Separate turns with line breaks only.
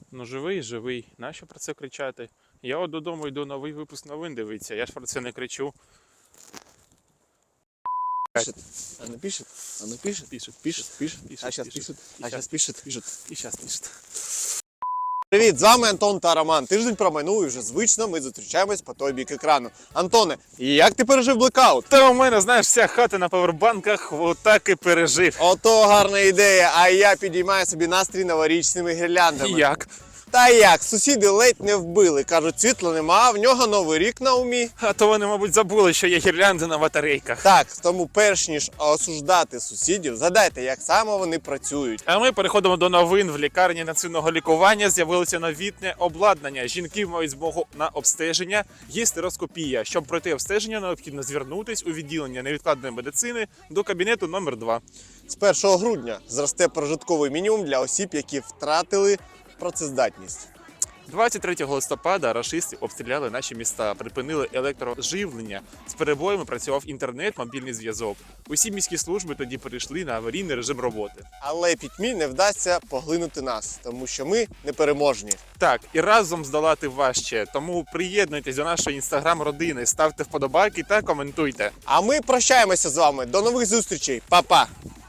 Ну живий, живий. Нащо про це кричати? Я от додому йду новий випуск новин дивитися, я ж про це не кричу.
Пишет. Она пишет. Она пишет.
Пишет,
Пишет. Пишет.
пишет,
А сейчас
пишет.
пишет.
И
А
щас
сейчас пишет.
Пишет. І зараз пишет.
Привіт, з вами Антон та Роман. Тиждень промайнув і вже звично ми зустрічаємось по той бік екрану. Антоне, як ти пережив блекаут?
Та у мене, знаєш, вся хата на павербанках отак і пережив.
Ото гарна ідея, а я підіймаю собі настрій новорічними гірляндами.
І як?
Та як, сусіди ледь не вбили. Кажуть, світла нема, а в нього новий рік на умі.
А то вони, мабуть, забули, що є гірлянди на батарейках.
Так, тому перш ніж осуждати сусідів, згадайте, як саме вони працюють.
А ми переходимо до новин. В лікарні інтенсивного лікування з'явилося новітне обладнання. Жінки мають змогу на обстеження. Є стероскопія. Щоб пройти обстеження, необхідно звернутись у відділення невідкладної медицини до кабінету номер 2.
З 1 грудня зросте прожитковий мінімум для осіб, які втратили працездатність.
23 листопада рашисти обстріляли наші міста, припинили електроживлення. З перебоями працював інтернет, мобільний зв'язок. Усі міські служби тоді перейшли на аварійний режим роботи.
Але пітьмі не вдасться поглинути нас, тому що ми непереможні.
Так, і разом здолати важче. Тому приєднуйтесь до нашої інстаграм-родини, ставте вподобайки та коментуйте.
А ми прощаємося з вами. До нових зустрічей. Па-па!